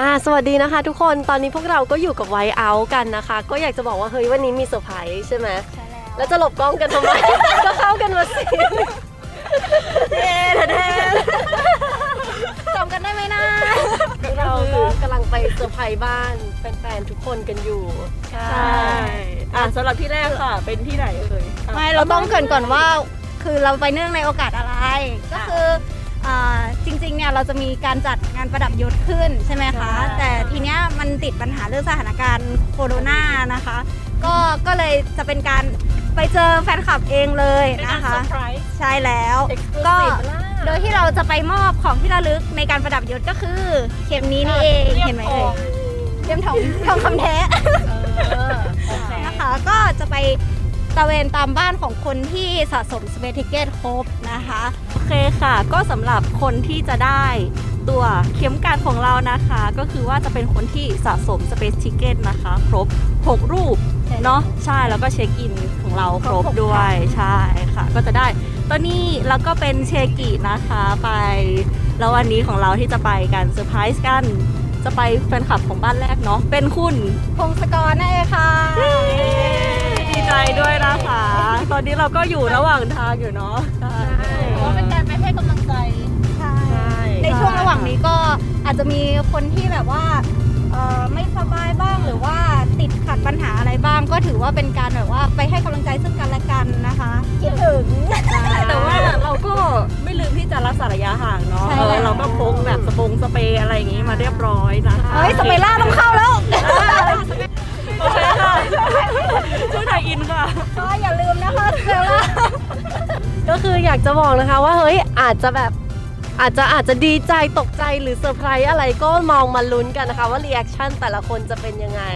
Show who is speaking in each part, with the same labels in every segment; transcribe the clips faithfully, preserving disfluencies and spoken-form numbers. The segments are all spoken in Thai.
Speaker 1: อ่าสวัสดีนะคะทุกคนตอนนี้พวกเราก็อยู่กับไวท์เอาท์กันนะคะก็อยากจะบอกว่าเฮ้ยวันนี้มีเซอร์ไพรส์ใช่ไหมใช่แล้วแล้วจะหลบกล้องกันทำไม ก็เข้ากันมาสิเย้แท้จำกันได้ไหมนะเราก็กำลังไปเซอร์ไพรส์บ้านแฟนๆทุกคนกันอยู่
Speaker 2: ใช่อ่ะสำหรับที่แรกค่ะเป็นที่ไหนเอ่ย
Speaker 3: ไม่เราต้องเกริ่นก่อนว่าคือเราไปเนื่องในโอกาสอะไรก็คือจริงๆเนี่ยเราจะมีการจัดงานประดับยศขึ้นใช่ไหมคะแต่ทีเนี้ยมันติดปัญหาเรื่องสถานการณ์โควิดนะคะก็ก็เลยจะเป็นการไปเจอแฟนคลับเองเลยนะคะใช่แล้วก็โดยที่เราจะไปมอบของที่ระลึกในการประดับยศก็คือเข็มนี้นี่เองเห็นไหมเอ่ยเข็มทองทองคำแท้นะคะก็จะไปตะเวนตามบ้านของคนที่สะสมสเปซทิเกตครบนะคะ
Speaker 2: โอเคค่ะก็สำหรับคนที่จะได้ตัวเข็มกลัดของเรานะคะก็คือว่าจะเป็นคนที่สะสมสเปซทิเกตนะคะครบหกรูปเนาะใช่แล้วก็เช็คอินของเราครบด้วยใช่ค่ะก็จะได้ตัวนี้แล้วก็เป็นเชกินะคะไปแล้ววันนี้ของเราที่จะไปกันเซอร์ไพรส์กันจะไปแฟนคลับของบ้านแรกเนาะเป็นคุณ
Speaker 3: พงศกรนั่นเองค่ะ
Speaker 2: ดีใจด้วยนะคะตอนนี้เราก็อยู่ระหว่างทางอยู่เนาะใช่
Speaker 3: ก็เป็นการไปให้กำลังใจใช่ในช่วงระหว่างนี้ก็อาจจะมีคนที่แบบว่าไม่สบายบ้างหรือว่าติดขัดปัญหาอะไรบ้างก็ถือว่าเป็นการแบบว่าไปให้กำลังใจซึ่งกันและกันนะคะคิดถึง
Speaker 2: แต่ว่าเราก็ไม่ลืมที่จะรักษาระยะห่างเนาะเราก็พกแบบสปงสเปรย์อะไรอย่างงี้มาเรียบร้อยนะคะ
Speaker 3: เฮ้ยสเปรย์ล่าต้องเข้าแล้ว
Speaker 2: โอเคค่ะช่วยถ่ายอินค่ะ
Speaker 3: ก็อย่าลืมนะคะสเปรย์ล่า
Speaker 1: ก็คืออยากจะบอกนะคะว่าเฮ้ยอาจจะแบบอาจจะอาจจะดีใจตกใจหรือเซอร์ไพรส์อะไรก็มองมาลุ้นกันนะคะว่ารีแอคชั่นแต่ละคนจะเป็นยังไง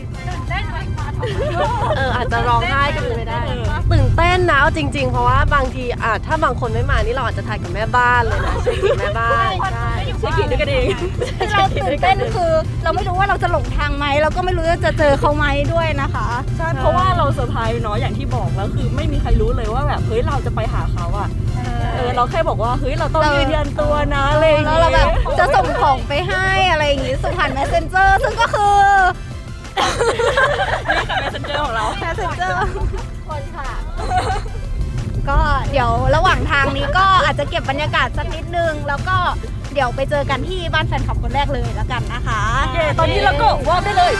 Speaker 1: เอออาจจะร้องไห้ก็เป็นไปได้ตื่นเต้นนะจริงๆเพราะว่าบางทีอ่ะถ้าบางคนไม่มานี่เราอาจจะถ่ายกับแม่บ้านเลยนะเช็คกับแม่บ้านใช่
Speaker 2: เช็คกินด้วยกันเอง
Speaker 3: เราตื่นเต้นคือเราไม่รู้ว่าเราจะหลงทางไหมเราก็ไม่รู้ว่าจะเจอเขาไหมด้วยนะคะ
Speaker 2: ใช่เพราะว่าเราเซอร์ไพรส์เนาะอย่างที่บอกแล้วคือไม่มีใครรู้เลยว่าแบบเฮ้ยเราจะไปหาเขาอ่ะเออเราแค่บอกว่าเฮ้ยเราต้องยืนยันตัวนะอะไรอย่างเงี้ย
Speaker 3: แล้วเราแบบจะส่งของไปให้อะไรอย่างงี้ส่งผ่าน Messenger ซึ่งก็คือ
Speaker 2: นี่ค่ะ Messenger ของเรา
Speaker 3: Messenger คนค่ะก็เดี๋ยวระหว่างทางนี้ก็อาจจะเก็บบรรยากาศสักนิดนึงแล้วก็เดี๋ยวไปเจอกันที่บ้านแฟนคลับคนแรกเลยแล้วกันนะคะ
Speaker 2: เย้ตอนนี้เราก็วอล์กได้เลย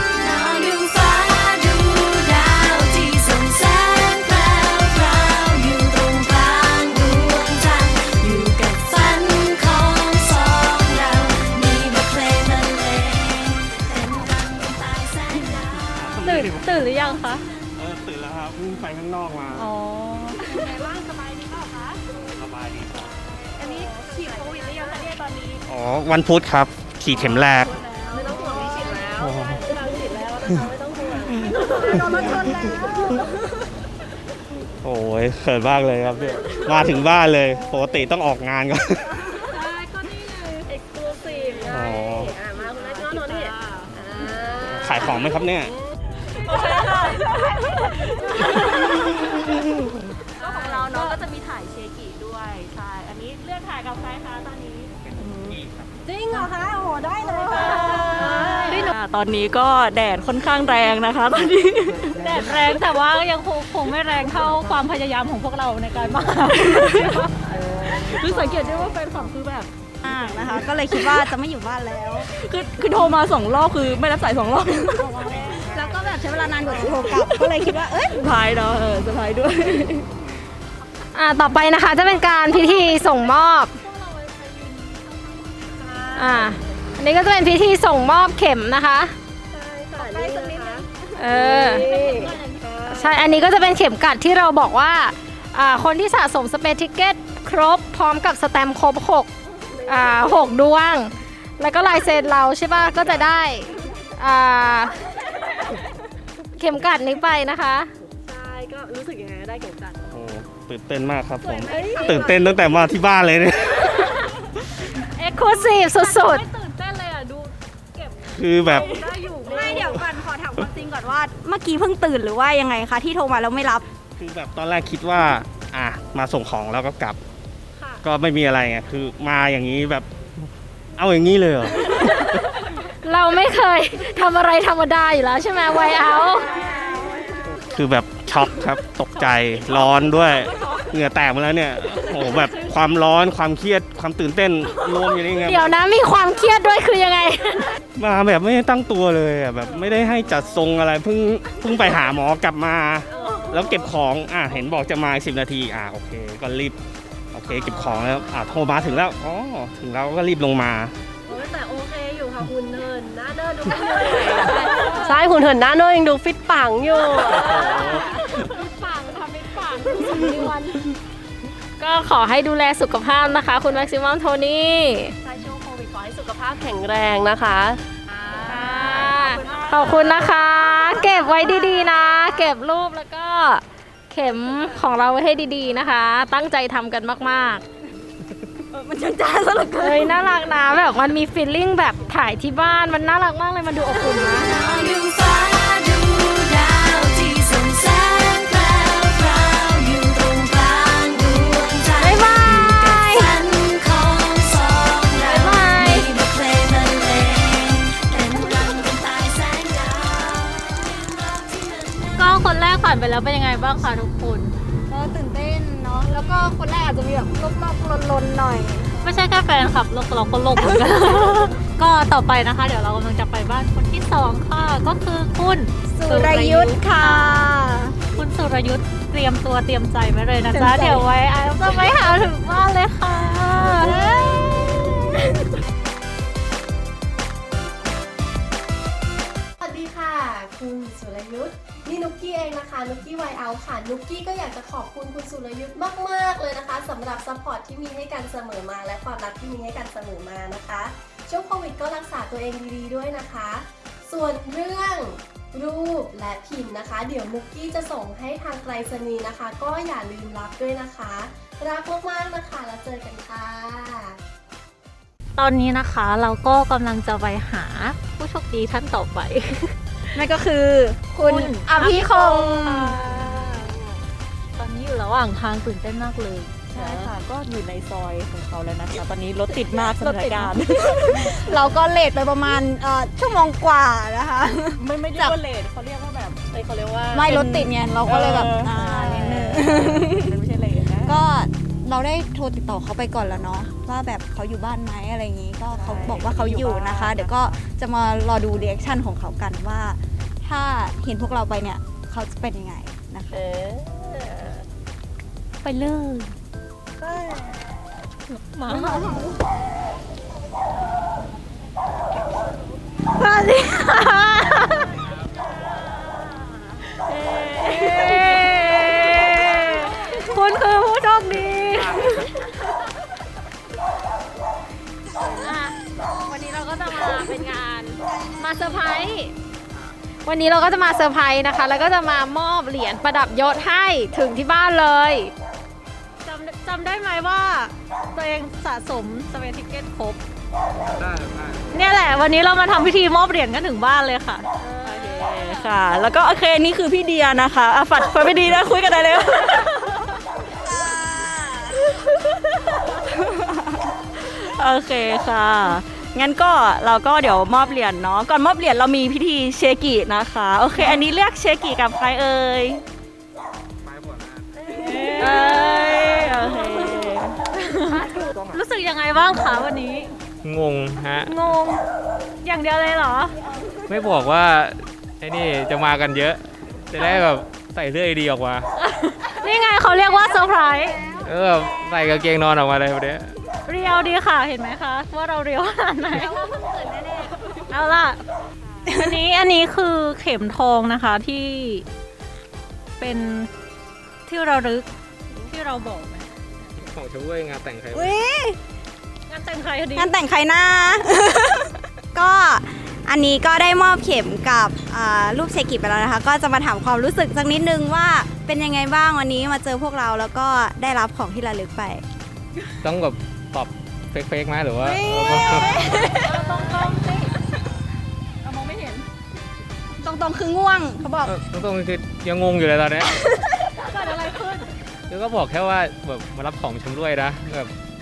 Speaker 2: ตื่นหรือยังคะ
Speaker 4: เออตื่นแล้วครับวิ่งไปข้างนอกมา
Speaker 2: อ๋อ
Speaker 3: เป็นไงบ้างสบายดีเปล่าคะ
Speaker 4: สบายดีครับ
Speaker 3: อันนี้ฉีดโควิดหรือยังคะเนี่ยตอนนี้
Speaker 4: อ๋อวันพุธครับฉีดเข็มแรก
Speaker 3: ไม่ต้องห่วงไม่ฉีดแล้วเราฉีดแล้วนะคะไม่ต้องห่วงโดนรถชนแล้ว
Speaker 4: โอ้ยเขินมากเลยครับเนี่ยมาถึงบ้านเลยปกติต้องออกงานก่อน
Speaker 3: ใช่ก็นี่เลยเอ็กซ์คลูซีฟไงอ่ามาคุณนัทนอนนี่
Speaker 4: ขายของไหมครับเนี่ย
Speaker 2: โอเคค่ะก็ของเราเนาะก็จะมีถ่ายเชกิด้วยใช่อันนี้เลือกถ่ายกับใครคะตอนนี้
Speaker 3: จริงเหรอคะโอ้โหได้เลยค่ะ
Speaker 2: ตอนนี้ก็แดดค่อนข้างแรงนะคะตอนนี้แดดแรงแต่ว่ายังคงคงไม่แรงเท่าความพยายามของพวกเราในการมาคือสังเกตได้ว่าแฟนคลับคือแบบ
Speaker 3: นะคะก็เลยคิดว่าจะไม่อยู่บ้านแล้ว
Speaker 2: คือคือโทรมาสองรอบคือไม่รับสายสองรอบ
Speaker 3: แล้วก็แบบใช้เวลานานกว่าจะโทรกลับก็เลยคิดว่าเอ้ย
Speaker 2: สบายเนาะเออสบายด้วย
Speaker 1: อ่าต่อไปนะคะจะเป็นการพิธีส่งมอบอ่าอันนี้ก็จะเป็นพิธีส่งมอบเข็มนะคะ
Speaker 3: ใช่ค่ะนี่นะคะ
Speaker 1: เออใช่อันนี้ก็จะเป็นเข็มกลัดที่เราบอกว่าอ่าคนที่สะสมสเปซทิเกตครบพร้อมกับสแตมป์ครบหกอ่าหกดวงแล้วก็ลายเซ็นเราใช่ป่ะก็จะได้อ่าเข็มกลัดนี้ไปนะคะ
Speaker 2: ใช่ก็รู้สึกยังไงได้เข็มกลัด
Speaker 4: โอ้ตื่นเต้นมากครับผมตื่นเต้นตั้งแต่มาที่บ้านเลยเนี่ย
Speaker 1: เอ็กซ์คลูซีฟสุด
Speaker 2: ๆไม่ตื่นเต้นเลยอ่ะดูเก็บ
Speaker 4: คือแบบ
Speaker 2: ได้อยู่
Speaker 3: ไม่เดี๋ยวก่อนขอถามความจริงก่อนว่าเมื่อกี้เพิ่งตื่นหรือว่ายังไงคะที่โทรมาแล้วไม่รับ
Speaker 4: คือแบบตอนแรกคิดว่าอ่ะมาส่งของแล้วก็กลับก็ไม่มีอะไรไงคือมาอย่างนี้แบบเอาอย่างนี้เลยเหรอ
Speaker 5: เราไม่เคยทำอะไรธรรมดาอยู่แล้วใช่ไหมไวเอา
Speaker 4: คือแบบช็อกครับตกใจร้อนด้วยเหงื่อแตกมาแล้วเนี่ยโอ้โหแบบความร้อนความเครียดความตื่นเต้นรวมอยู่นี่ไง
Speaker 5: เดี๋ยวนะมีความเครียดด้วยคือยังไง
Speaker 4: มาแบบไม่ได้ตั้งตัวเลยอ่ะแบบไม่ได้ให้จัดทรงอะไรเพิ่งเพิ่งไปหาหมอกลับมา แล้วเก็บของอ่ะเห็นบอกจะมาสิบนาทีอ่ะโอเคก็รีบโอเคเก็บของแล้วอ่ะโทรมาถึงแล้วอ๋อถึงแล้วก็รีบลงมา
Speaker 1: โอ้ยแต่โอเคอยู่ค่ะหุ่นเหินหน้าเดินดูไม่เหนื่อยใช่หุ่นเหินหน้าเดินยังดูฟิตปังอยู่
Speaker 5: ปังทำเป็นปังก็ขอให้ดูแลสุขภาพนะคะ คุณแม็กซิมัมโทนี่
Speaker 1: ใช่ช่วงโควิดขอให้สุขภาพแข็งแรงนะคะ
Speaker 5: ขอบคุณนะคะ เก็บไว้ดีๆนะ เก็บรูปแล้วก็เข็มของเราไว้ให้ดีๆนะคะ ตั้งใจทำกันมากๆมันจ้าซะเหลือเกินเฮ้ยน่ารักนะแบบมันมีฟีลลิ่งแบบถ่ายที่บ้านมันน่ารักมากเลยมันดูอบอุ่นนะ
Speaker 6: ดูฟ้าดูดาวที่ส่องแสงแพรวพราวอยู่ตรงกลางดวงใจ
Speaker 5: บ๊ายบาย
Speaker 6: ฝันของสองเรา
Speaker 5: บ๊ายบาย
Speaker 6: มีบทเพลงบรรเลงเต้นรำกันใต้แสงดาวรักที่มัน
Speaker 5: ก็คนแรกผ่านไปแล้วเป็นยังไงบ้างคะทุกคน
Speaker 3: ก็ตื่นเต้นเนาะแล้วก็คนแรกอาจจะมีแบบลบๆลนๆหน่อย
Speaker 5: ไม่ใช่แค่แฟนคลับเราเราก็โลกเหมือนกัน ก็ต่อไปนะคะ เดี๋ยวเรากำลังจะไปบ้านคนที่สองค่ะ ก็คือคุณ
Speaker 3: สุรยุทธ์ค่ะ
Speaker 5: คุณสุรยุทธ์เตรียมตัวเตรียมใจไว้เลยนะจ๊ะ เดี๋ยวไว้ไอ้จะไปหาถึงบ้านเลยค่ะ
Speaker 1: สวัสดีค่ะ คุณสุรยุทธ์นี่นุกกี้เองนะคะนุกกี้ไวเอาค่ะนุกกี้ก็อยากจะขอบคุณคุณสุรยุทธ์มากๆเลยนะคะสำหรับซัพพอร์ตที่มีให้กันเสมอมาและความรักที่มีให้กันเสมอมานะคะช่วงโควิดก็รักษาตัวเองดีๆด้วยนะคะ ส่วนเรื่องรูปและพิมพ์นะคะ เดี๋ยวนุกกี้จะส่งให้ทางไปรษณีย์นะคะ ก็อย่าลืมรับด้วยนะคะรักมากๆนะคะแล้วเจอกันค่ะ
Speaker 5: ตอนนี้นะคะเราก็กำลังจะไปหาผู้โชคดีท่านต่อไป
Speaker 3: นั่นก็คือคุณอภิคง
Speaker 5: ตอนนี้อยู่ระหว่างทางตื่นเต้นมากเลย
Speaker 2: ใช่ค่ะ ก็อยู่ในซอยของเขาแล้วนะคะ ตอนนี้รถติดมากสถานการณ์
Speaker 3: เราก็เลทไปประมาณเอ่อชั่วโมงกว่านะคะ
Speaker 2: ไม่ไม่เรียกว่าเลทเขาเรียกว่าแบบเอ้ยเขาเรียกว่า
Speaker 3: ไม่รถติดไงเราก็เลยแบบ
Speaker 2: ออ
Speaker 3: อ่านิดนึง
Speaker 2: มันไม่ใช่เลทนะ
Speaker 3: ก็เราได้โทรติดต่อเขาไปก่อนแล้วเนาะว่าแบบเขาอยู่บ้านไหมอะไรอย่างนี้ก็เขาบอกว่าเขาอยู่นะคะ เดี๋ยวก็จะมารอดูรีแอคชั่นของเขากันว่า ถ้าเห็นพวกเราไปเนี่ยเขาจะเป็นยังไงนะคะ
Speaker 5: ไปเลยมาสวัสดีค่ะคุณคือผู้โชคดีอ่ะวันนี้เราก็จะมาเป็นงานมาเซอร์ไพรส์วันนี้เราก็จะมาเซอร์ไพรส์นะคะ แล้วก็จะมามอบเหรียญประดับยศให้ถึงที่บ้านเลยจำจำได้ไหมว่าตัวเองสะสมสเปซทิเก็ตครบ
Speaker 4: ได้ได้
Speaker 5: เนี่ยแหละวันนี้เรามาทำพิธีมอบเหรียญกันถึงบ้านเลยค่ะ
Speaker 2: โอเคค่ะ แล้วก็โอเคนี่คือพี่เดียนะคะอ่ะฝัดฝัดไม่ดีนะคุยกันได้เลย โอเคค่ะ งั้นก็เราก็เดี๋ยวมอบเหรียญเนาะ ก่อนมอบเหรียญเรามีพิธีเชกินะคะ โอเค อันนี้เรียกเชกิกับใครเอ่ย
Speaker 4: ไปหมดนะ
Speaker 2: เอ้ยโอเค
Speaker 5: รู้สึกยังไงบ้างคะวันนี้
Speaker 7: งงฮะ
Speaker 5: งง อย่างเดียวเลยเหรอ
Speaker 7: ไม่บอกว่าไอ้นี่จะมากันเยอะ จะได้แบบใส่เสื้อดีออกมา
Speaker 5: นี่ไงเขาเรียกว่าเซอร์ไพรส์
Speaker 7: เออแบบใส่กางเกงนอนออกมาเลยวันนี้
Speaker 5: เรียวดีค่ะเห็นไหมคะ ว่าเราเรียวขนาดไหนเอาล่ะ อันนี้อันนี้คือเข็มทองนะคะที่เป็นที่เราลึกที่เราบอกไหม
Speaker 7: ของชมวยงานแต่งใคร
Speaker 3: อุ้ย
Speaker 5: งานแต่งใครดี
Speaker 3: งานแต่งใครหน้า ก็อันนี้ก็ได้มอบเข็มกับอ่ารูปเชกิไปแล้วนะคะ ก็จะมาถามความรู้สึกสักนิดนึงว่าเป็นยังไงบ้างวันนี้มาเจอพวกเราแล้วก็ได้รับของที่ระลึกไป
Speaker 7: ต้องแบบตอบเฟกๆไหมหรือว่า
Speaker 5: ตรงตรงๆสิเรามองไม่เห็น
Speaker 3: ตรงๆคือง่วงเขาบอก
Speaker 7: เออตรงๆคือยังงงอยู่เลยตอนเนี้ย
Speaker 5: เกิดอะไรขึ้น
Speaker 7: แล้วก็บอกแค่ว่าแบบมารับของชมด้วยนะแบบ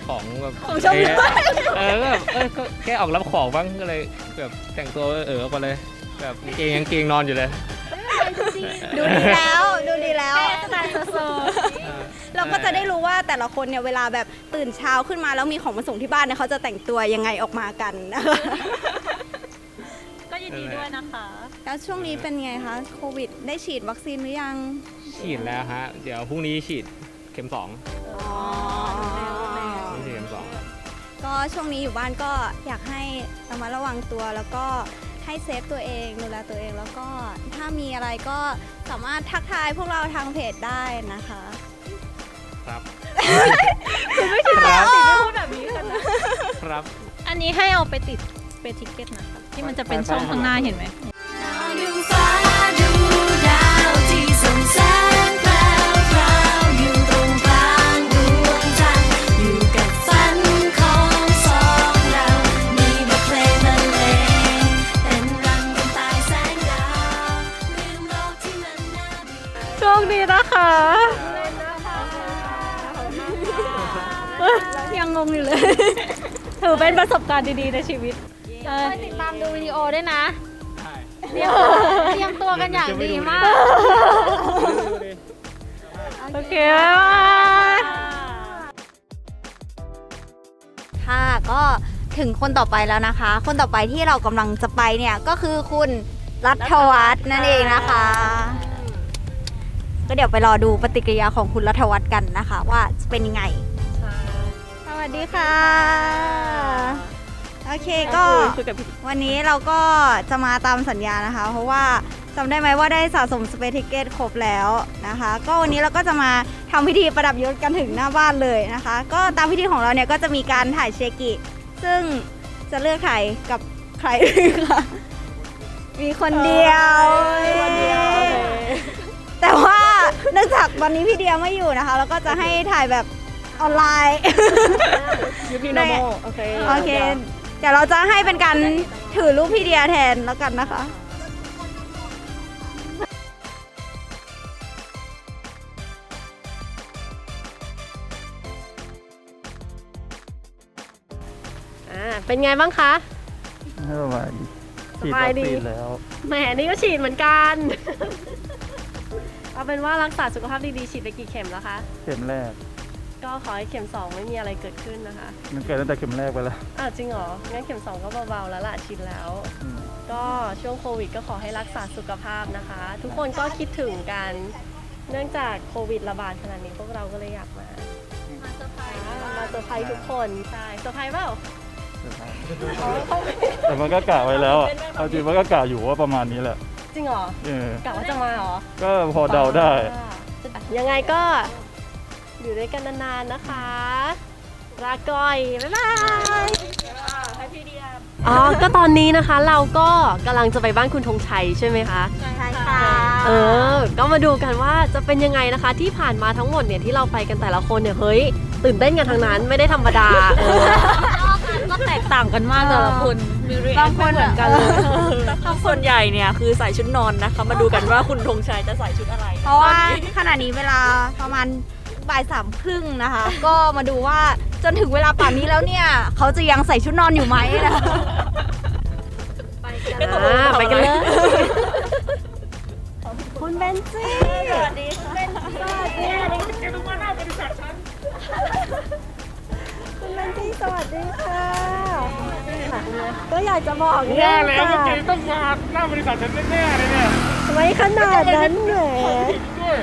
Speaker 7: ของแบบ
Speaker 2: ของชม
Speaker 7: เอ๊ะเออก็แบบเออก็แค่ออกรับของบ้างก็เลยแบบแต่งตัวเออออกมาเลยแบบกางเกงยังเกงนอนอยู่เลย
Speaker 3: ดูดีแล้วดูดีแล้ว
Speaker 2: สไตล์โซ
Speaker 3: เราก็จะได้รู้ว่าแต่ละคนเนี่ยเวลาแบบตื่นเช้าขึ้นมาแล้วมีของมาส่งที่บ้านเนี่ยเขาจะแต่งตัวยังไงออกมากันนะคะ
Speaker 2: ก็ยินดีด้วยนะคะ
Speaker 3: แล้วช่วงนี้เป็นไงคะโควิดได้ฉีดวัคซีนหรือยัง
Speaker 7: ฉีดแล้วฮะเดี๋ยวพรุ่งนี้ฉีดเข็มสอง
Speaker 3: อ๋อ
Speaker 7: พรุ่งนี้ฉีดเข็มสอง
Speaker 3: ก็ช่วงนี้อยู่บ้านก็อยากให้ระมัดระวังตัวแล้วก็ให้เซฟตัวเองดูแลตัวเองแล้วก็ถ้ามีอะไรก็สามารถทักทายพวกเราทางเพจได้นะคะ
Speaker 7: ครับ
Speaker 2: คุณไม่คิดว่าสิไม่พูดแบบนี้กันนะครับ
Speaker 5: อันนี้ให้เอาไปติดสเปซทิเก็ตนะคะที่มันจะเป็นช่องข้างหน้าเห็นไหม
Speaker 6: ดูฟ้าดูดาวที่ส่องแสงแพรวพราวอยู่ตรงกลางดวงจันทร์อยู่กับฝันของสองเรามีบทเพลงบรรเลงเป็นรังกันใต้แสงดาวลืมโลกที่มันน่าเบื่อ
Speaker 5: โชคดีนะคะ
Speaker 3: ยังงงอยู่เลย
Speaker 5: ถือเป็นประสบการณ์ดีๆในชีวิตติดตามดูวิดีโอด้วยนะเตรียมตัวเตรียมตัวกันอย่างดีมาก โอเคบ๊ายบาย
Speaker 3: ค่ะก็ถึงคนต่อไปแล้วนะคะ คนต่อไปที่เรากำลังจะไปเนี่ยก็คือคุณรัฐวัฒน์นั่นเองนะคะ ก็เดี๋ยวไปรอดูปฏิกิริยาของคุณรัฐวัฒน์กันนะคะ ว่าจะเป็นยังไงสวัสดีค่ะ โอเคก็วันนี้เราก็จะมาตามสัญญานะคะ เพราะว่าจำได้ไหมว่าได้สะสมสเปซทิเกตครบแล้วนะคะ ก็วันนี้เราก็จะมาทำพิธีประดับยศกันถึงหน้าบ้านเลยนะคะ ก็ตามพิธีของเราเนี่ยก็จะมีการถ่ายเชกิ ซึ่งจะเลือกถ่ายกับใครคะมีคนเดียวแต่ว่าเนื่องจากวันนี้พี่เดียไม่อยู่นะคะเราก็จะให้ถ่ายแบบออนไลน์
Speaker 5: ยูพีโนโมโอเค
Speaker 3: โอเค เดี๋ยวเราจะให้เป็นการถือรูปพี่เดียแทนแล้วกันนะคะ
Speaker 1: อ่าเป็นไงบ้างคะ
Speaker 8: ไม่สบายดี
Speaker 1: ส
Speaker 8: ฉีด
Speaker 1: บาย
Speaker 8: วัค
Speaker 1: ดี
Speaker 8: ซีนแล้ว
Speaker 1: แหมนี่ก็ฉีดเหมือนกัน เอาเป็นว่ารักษาสุขภาพดีๆฉีดไปกี่เข็มแล้วคะ
Speaker 8: เข็มแรก
Speaker 1: ก็ขอให้เข็มสองไม่มีอะไรเกิดขึ้นนะคะ
Speaker 8: มันเกิดตั้งแต่เข็มแรกไปแล้ว
Speaker 1: อ้าวจริงเหรอ งั้นเข็มสองก็เบาๆแล้วล่ะชินแล้ว
Speaker 8: อืม
Speaker 1: ก็ช่วงโควิดก็ขอให้รักษาสุขภาพนะคะ ทุกคนก็คิดถึงกัน เนื่องจากโควิดระบาดขนาดนี้พวกเราก็เลยอยากมา มาเซอร์ไพรส์มาเซอร์ไพรส์ทุกคน ใช่เซอร์ไพรส์เปล่าอ๋อเขา
Speaker 8: แต่มันก็กะไว้แล้วอะเอาจริงมันก็กะอยู่ว่าประมาณนี้แหละ
Speaker 1: จริงเหรอ
Speaker 8: เออก
Speaker 1: ะว่าจะมาเหรอ
Speaker 8: ก็พอเดาได้
Speaker 1: ยังไงก็อยู่ด้วยกันนานๆนะคะลาก่อย บ๊ายบายอ๋อ ก็ตอนนี้นะคะเราก็กำลังจะไปบ้านคุณธงชัยใช่ไหมคะ
Speaker 3: ใช่ค่ะ
Speaker 1: เออ ก็มาดูกันว่าจะเป็นยังไงนะคะ ที่ผ่านมาทั้งหมดเนี่ยที่เราไปกันแต่ละคนเนี่ย เฮ้ย ตื่นเต้นกันทั้งนั้นไม่ได้ธรรมดาเออ
Speaker 2: ก็แตกต่างกันมากแต่ละคนมีรีแอคไม่เหมือนกันเลยถ้าส่วนใหญ่เนี่ยคือใส่ชุดนอนนะคะ มาดูกันว่าคุณธงชัยจะใส่ชุดอะไร
Speaker 3: เพราะว่าขณะนี้เวลาประมาณบ่ายสามครึ่งนะคะ ก็มาดูว่าจนถึงเวลาป่านนี้แล้วเนี่ย เขาจะยังใส่ชุดนอนอยู่ไหมนะคะ
Speaker 1: อ่าไปกันเลย คุณเบนซี่
Speaker 2: สวัสดีค่ะ
Speaker 1: คุณเบนซี่สวัสดีค่ะ ก็อยากจะบอก
Speaker 4: แย่แล้ว
Speaker 1: ค่ะ
Speaker 4: เมื่อกี้ต้องมาหน้าบริษัทฉันแน่ๆเลยเนี่ย
Speaker 1: ไม่ขนาดนั้นแหม
Speaker 4: ด้วย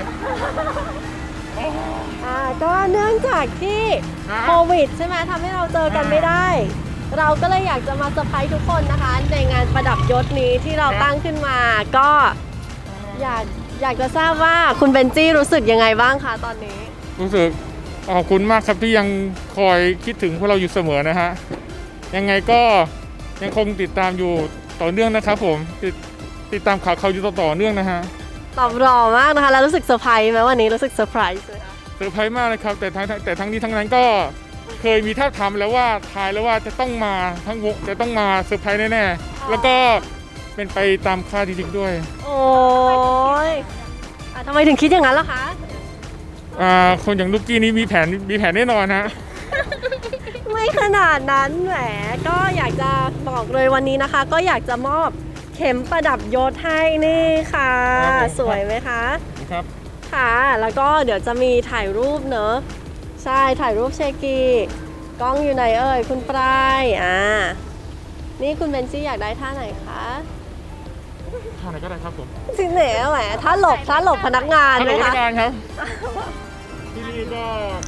Speaker 1: อ่าก็เนื่องจากที่
Speaker 4: ฮะ
Speaker 1: โควิดใช่ไหมทำให้เราเจอกันไม่ได้ เราก็เลยอยากจะมาเซอร์ไพรส์ทุกคนนะคะ ในงานประดับยศนี้ที่เราตั้งขึ้นมา ก็อยากอยากจะทราบว่าคุณเบนจี้รู้สึกยังไงบ้างคะตอนนี้
Speaker 9: รู้สึกขอบคุณมากครับที่ยังคอยคิดถึงพวกเราอยู่เสมอนะฮะ ยังไงก็ยังคงติดตามอยู่ต่อเนื่องนะครับผมติดติดตามข่าวเขาอยู่ต่อเนื่องนะฮะ
Speaker 1: ตอบรอมากนะคะ แล้วรู้สึกเซอร์ไพรส์ไหมวันนี้รู้สึกเซอร์ไพรส์ไหมคะ
Speaker 9: เซอร์ไพรส์มากเลยครับแต่ทั้งแต่ทั้งนี้ทั้งนั้นก็เคยมีท่าบทามแล้วว่าทายแล้วว่าจะต้องมาทั้งวงจะต้องมาเซอร์ไพรส์แน่ๆแล้วก็เป็นไปตามคาดจริงๆด้วย
Speaker 1: โอ้ยอ่ะทำไมถึงคิดอย่างนั้นล่ะคะ
Speaker 9: อ่าคนอย่างลูกกี้นี้มีแผนมีแผนแน่นอนฮะ
Speaker 1: ไม่ขนาดนั้นแหมก็อยากจะบอกเลยวันนี้นะคะ ก็อยากจะมอบเข็มประดับยศให้นี่ค่ะ สวยไหมคะ
Speaker 9: ครับ
Speaker 1: ค่ะแล้วก็เดี๋ยวจะมีถ่ายรูปเนอะใช่ถ่ายรูปเชกีกล้องอยู่ไหนเอ่ยคุณปลายอ่านี่คุณเบนซี่อยากได้ท่าไหนคะ
Speaker 9: ท่าไหนก็ได้ครับผม
Speaker 1: ที่ไหนแหมถ้าหลบถ้าหลบพนักงาน
Speaker 9: ฮัล
Speaker 1: ไห
Speaker 9: โห
Speaker 1: ม
Speaker 9: ล
Speaker 1: คะ
Speaker 9: การครับ ที่นี่ก็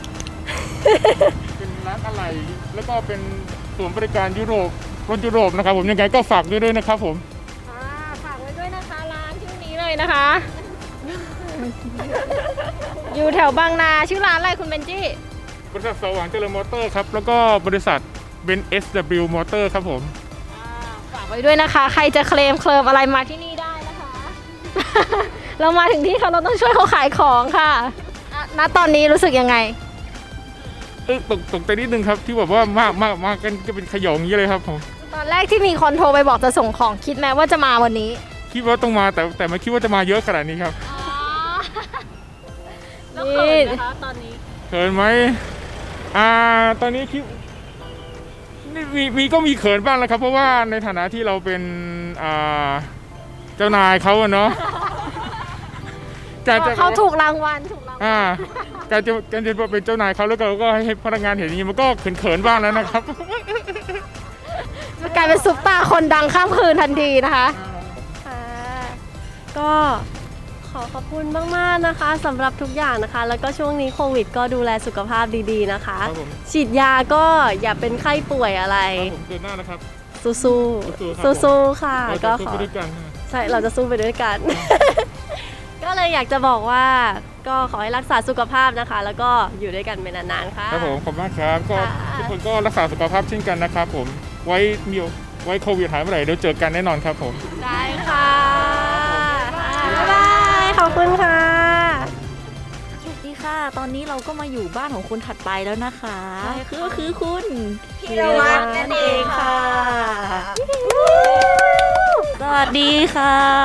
Speaker 9: เป็นร้านอะไหล่แล้วก็เป็นศูนย์บริการยุโรปรถยุโรปนะครับผมยังไงก็ฝากด้วยด้วยนะครับผม
Speaker 5: อ่าฝากไว้ด้วยนะคะร้านชื่อนี้เลยนะคะ อยู่แถวบางนาชื่อร้านอะไรคุณเบนจี้
Speaker 9: บริษัทสว่างเจริญมอเตอร์ครับแล้วก็บริษัทเบน เอส ดับเบิลยู มอเตอร์ครับผม
Speaker 5: อ่าฝากไว้ด้วยนะคะ ใครจะเคลมเคลิมอะไรมาที่นี่ได้นะคะ เรามาถึงที่เขาเราต้องช่วยเขาขายของค่ะอ่ะณตอนนี้รู้สึกยังไง
Speaker 9: เออตกตกใจนิดนึงครับที่แบบว่ามากมากมากกันจะเป็นขยงอย่างนี้เลยครับผม
Speaker 5: ตอนแรกที่มีคนโทรไปบอกจะส่งของคิดไหมว่าจะมาวันนี้
Speaker 9: คิดว่าต้องมาแต่แต่ไม่คิดว่าจะมาเยอะขนาดนี้ครับ
Speaker 5: แล้วเขินนะคะตอนนี้
Speaker 9: เขินไหมอ่าตอนนี้คิดนี่มีมีก็มีเขินบ้างแล้วครับ เพราะว่าในฐานะที่เราเป็นอ่าเจ้านายเขาอะเนาะการจะ
Speaker 5: เขาถูกรางวัลถูกรางวัล
Speaker 9: อ่าการจะการจะเป็นเจ้านายเขาแล้วก็เราก็ให้พนักงานเห็นอย่างนี้มันก็เขินๆบ้างแล้วนะครับ
Speaker 5: จะกลายเป็นซุปตาคนดังข้ามคืนทันทีนะคะ
Speaker 1: ค่ะก็ขอขอบคุณมากๆนะคะสำหรับทุกอย่างนะคะ แล้วก็ช่วงนี้โควิดก็ดูแลสุขภาพดีๆนะคะ
Speaker 9: ครับผม
Speaker 1: ฉีดยาก็อย่าเป็นไข้ป่วยอะไร
Speaker 9: ครับผมเดินหน้านะครับ
Speaker 1: สู้ๆ
Speaker 9: สู้ๆครับ
Speaker 1: สู้ๆค่ะ
Speaker 9: เรา
Speaker 1: ก็
Speaker 9: จะสู้
Speaker 1: ขอ
Speaker 9: ไปด้วยกันนะ
Speaker 1: ใช่ เราจะสู้ไปด้วยกัน ก็เลยอยากจะบอกว่าก็ขอให้รักษาสุขภาพนะคะ แล้วก็อยู่ด้วยกันเป็นนานๆค่ะ
Speaker 9: ครับผมขอบคุณมากครับก็
Speaker 1: ค่ะ
Speaker 9: ทุกคนก็รักษาสุขภาพเช่นกันนะครับผมไว้มีไว้โควิดหายเมื่อไหร่เดี๋ยวเจอกันแน่นอนครับผม
Speaker 1: ได้ค่ะบ๊ายบายขอบคุณค่ะ
Speaker 2: สวัสดีค่ะ ตอนนี้เราก็มาอยู่บ้านของคนถัดไปแล้วนะคะก็คือคุณพีรวัตรนั่นเองค่ะ สวัสดีค่ะ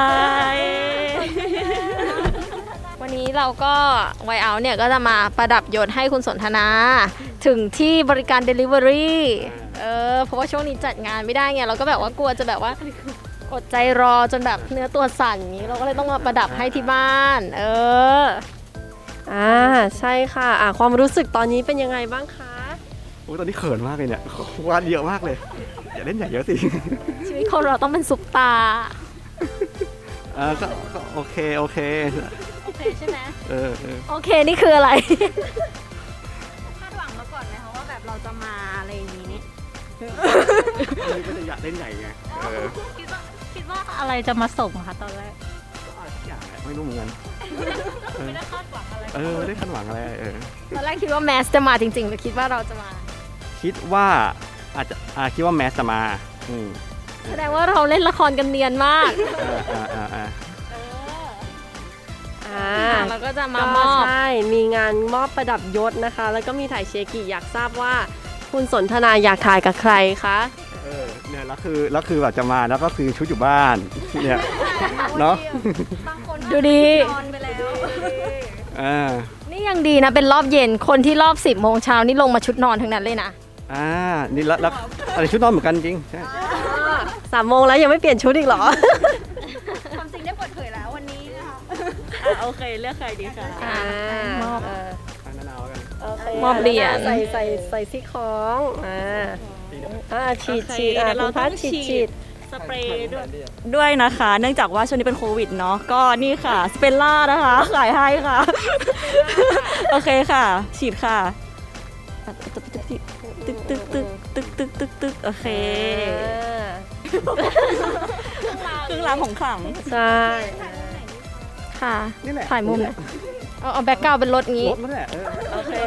Speaker 5: วันนี้เราก็ไวเอาเนี่ยก็จะมาประดับยศให้คุณสนทนา ถึงที่บริการ Delivery เออเพราะว่าช่วงนี้จัดงานไม่ได้ไงเราก็แบบว่ากลัวจะแบบว่าอดใจรอจนแบบเนื้อตัวสั่นอย่างนี้เราก็เลยต้องมาประดับให้ที่บ้าน เออ
Speaker 1: อ่าใช่ค่ะอ่าความรู้สึกตอนนี้เป็นยังไงบ้างคะ
Speaker 10: โอ้ยตอนนี้เขินมากเลยเนี่ยวาดเยอะมากเลย อย่าเล่นใหญ่เยอะสิ
Speaker 5: ชีวิตคนเราต้องเป็นซุปตา
Speaker 10: เออก็ก็โอเค โอเค
Speaker 5: โอเคใช่ไหม
Speaker 10: เออเออ
Speaker 5: โอเคนี่คืออะไร
Speaker 3: คาดหวังมาก่อนไหมคะว่าแบบเราจะมาอะไรอย่างนี้
Speaker 10: นี่ก็จะอยากเล่นใหญ่ไง เออ
Speaker 5: คิดว่าคิดว่าอะไรจะมาส่งคะตอนแรก
Speaker 10: ก็อะไรสักอย่างแหละไม่รู้เหมือนกัน
Speaker 5: ไม่ได้คาดหวังอะไร
Speaker 10: เออไม่ได้คาดหวังอะไร เออ
Speaker 5: ตอนแรกคิดว่าแมสจะมาจริงๆหรือคิดว่าเราจะมา
Speaker 10: คิดว่าอาจจะอ่าคิดว่าแมสจะมา อืม
Speaker 5: แสดงว่าเราเล่นละครกันเนียนมาก
Speaker 10: อ่าอ่าอ่าอ่า
Speaker 1: อ่า
Speaker 5: เราก็จะมา
Speaker 1: ก็
Speaker 5: มอบ
Speaker 1: ใช่ มีงานมอบประดับยศนะคะ แล้วก็มีถ่ายเชกิอยากทราบว่า คุณสนทนาอยากถ่ายกับใครคะ
Speaker 10: เออเนี่ยแล้วคือแล้วคือแบบจะมาแล้วก็คือชุดอยู่บ้าน เนี่ยเนาะ
Speaker 5: ดูดี
Speaker 10: อ่า
Speaker 5: นี่ยังดีนะเป็นรอบเย็นคนที่รอบสิบโมงเช้านี่ลงมาชุดนอนทั้งนั้นเลยนะ
Speaker 10: อ่านี่แล้วแล้วอะไรชุดนอนเหมือนกันจริงใช่
Speaker 1: สามโมงแล้วยังไม่เปลี่ยนชุดอีกเหรอ
Speaker 3: ความจริงได้เปิดเผยแล้ววันนี้นะคะ
Speaker 2: โอเคเลือกใครดีคะ
Speaker 1: อ่าม
Speaker 5: อบ
Speaker 1: เออ
Speaker 10: ทางนั้นเอากัน
Speaker 1: โอเค
Speaker 5: มอบเหรียญ
Speaker 1: ใส่ใส่ใส่ซี่ของอ่าอ่าฉีด
Speaker 2: โอเค
Speaker 1: ฉีดอ่า
Speaker 2: เดี๋ยว
Speaker 1: คุณพัด
Speaker 2: เราต้อง
Speaker 1: ฉีด
Speaker 2: ฉีด
Speaker 1: ฉีด
Speaker 2: สเปรย์ด้วยด้วยนะคะ เนื่องจากว่าช่วงนี้เป็นโควิดเนาะก็นี่ค่ะสเปลล่านะคะขายให้ค่ะ โอเคค่ะ ฉีดค่ะตึกตึกตึกตึกตึกตึกตึกตึกตึกโอเคเครื่องรางของขลัง
Speaker 1: ใช่
Speaker 5: ค่ะ
Speaker 10: นี่แหละ
Speaker 5: ถ่ายมุมหน่อยเอาเอาแบ็กกราวด์เป็นรถงี้
Speaker 10: รถนั่นแหละเออ
Speaker 1: โอเค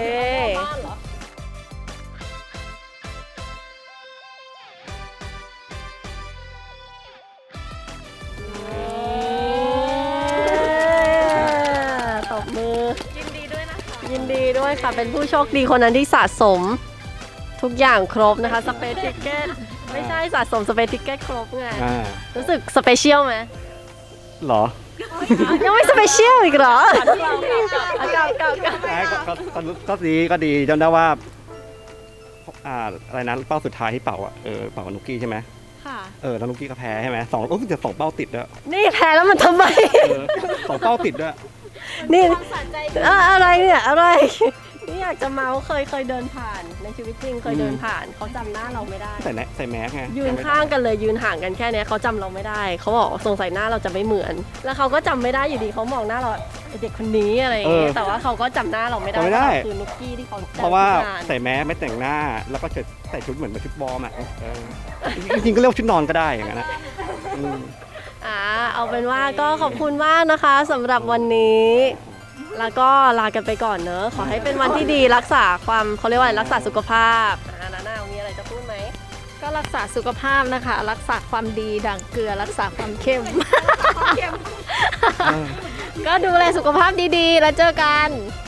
Speaker 1: ตบมือ ยินดีด้วยนะคะ ยินดีด้วยค่ะ เป็นผู้โชคดีคนนั้นที่สะสมทุกอย่างครบนะคะ สเปซทิเก็ตไม่ใช่สะสมสเปซทิเก็ตครบไง
Speaker 10: อ่า
Speaker 1: รู้สึกสเปเชียลไหม
Speaker 10: เหรอ
Speaker 1: ยังไม่สเปเชียลอีกเหรอเก่าเก่าเก่า
Speaker 10: ใช่ก็ก็ก็ก็ดีก็ดีจำได้ว่า พอ่าอะไรนะเป้าสุดท้ายที่เป่าอ่ะเออเป่ากับนุกกี้ใช่ไหม
Speaker 2: ค่ะ
Speaker 10: เออแล้วนุกกี้ก็แพ้ใช่ไหมสองรู้สึกจะสองเป้าติดด้วย
Speaker 1: นี่แพ้แล้วมันทำไม
Speaker 10: เออสองเป้าติดด้วย
Speaker 1: นี่อะอะไรเนี่ยอะไร นี่อยากจะเมาส์เคยเคยเดินผ่านในชีวิตจริงเคยเดินผ่านเขาจำหน้าเราไม่ได้
Speaker 10: ใส่แนใส่แมสไง
Speaker 1: ยืนข้างกันเลยยืนห่างกันแค่เนี้ยเขาจำเราไม่ได้เขาบอกสงสัยหน้าเราจะไม่เหมือน แล้วเขาก็จำไม่ได้อยู่ดีเขามองหน้าเราไอ้เด็กคนนี้อะไรอย่างเงี้ยแต่ว่าเขาก็จำหน้าเราไม่ได้
Speaker 10: จำไม่ได้
Speaker 1: คือนุกกี้ที่เขาจำ
Speaker 10: เพราะว่า
Speaker 1: ที่งน
Speaker 10: ใส่แมสไม่แต่งหน้า แล้วก็จะใส่ชุดเหมือนชุดวอร์มอ่ะเออจริงๆก็เรียกว่าชุดนอนก็ได้อย่างนั้นนะอืม
Speaker 1: อ่าเอาเป็นว่าก็ขอบคุณมากนะคะสำหรับวันนี้ แล้วก็ลากันไปก่อนเนอะขอให้เป็นวันที่ดีรักษาความเขาเรียกว่าอะไรรักษาสุขภาพอ่านาน่ามีอะไรจะพูดไหม
Speaker 5: ก็รักษาสุขภาพนะคะ รักษาความดีดั่งเกลือรักษาความเข้ม ก็ดูแลสุขภาพดีๆ แล้วเจอกัน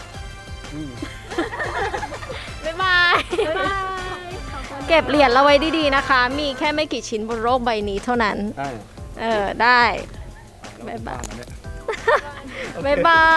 Speaker 5: บ๊ายบาย เก็บเหรียญเราไว้ดีๆนะคะ มีแค่ไม่กี่ชิ้นบนโลกใบนี้เท่านั้น
Speaker 10: ได้
Speaker 5: เออ ได้ บ๊ายบาย บ๊ายบาย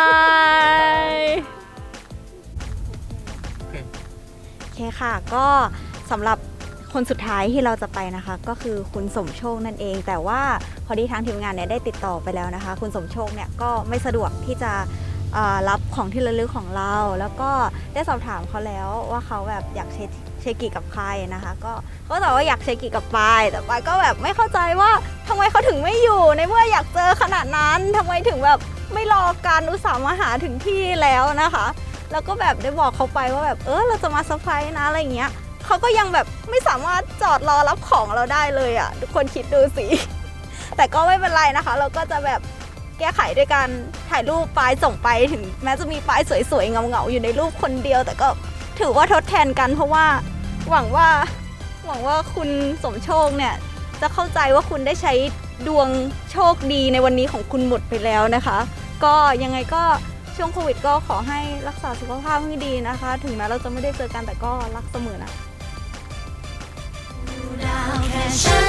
Speaker 3: โอเคค่ะ ก็สำหรับคนสุดท้ายที่เราจะไปนะคะ ก็คือคุณสมโชคนั่นเอง แต่ว่าพอดีทางทีมงานเนี่ยได้ติดต่อไปแล้วนะคะ คุณสมโชคเนี่ยก็ไม่สะดวกที่จะเอ่อรับของที่ระลึกของเรา แล้วก็ได้สอบถามเขาแล้วว่าเขาแบบอยากเชเชกิกับใครนะคะ ก็เขาตอบว่าอยากเชกิกับปายแต่ปายก็แบบไม่เข้าใจว่าทำไมเขาถึงไม่อยู่ในเมื่ออยากเจอขนาดนั้นทำไมถึงแบบไม่รอการอุตส่าห์มาหาถึงที่แล้วนะคะ แล้วก็แบบได้บอกเขาไปว่าแบบเออเราจะมาเซอร์ไพรส์นะอะไรอย่างเงี้ยเขาก็ยังแบบไม่สามารถจอดรอรับของเราได้เลยอ่ะทุกคนคิดดูสิ แต่ก็ไม่เป็นไรนะคะ เราก็จะแบบแก้ไขด้วยการถ่ายรูปปายส่งไปถึงแม้จะมีปายสวยๆเงาๆอยู่ในรูปคนเดียว แต่ก็ถือว่าทดแทนกันเพราะว่าหวังว่าหวังว่าคุณสมโชคเนี่ยจะเข้าใจว่าคุณได้ใช้ดวงโชคดีในวันนี้ของคุณหมดไปแล้วนะคะ ก็ยังไงก็ช่วงโควิดก็ขอให้รักษาสุขภาพให้ดีนะคะ ถึงแม้เราจะไม่ได้เจอกันแต่ก็รักเสมอนะ
Speaker 6: ดาวแค่ฉัน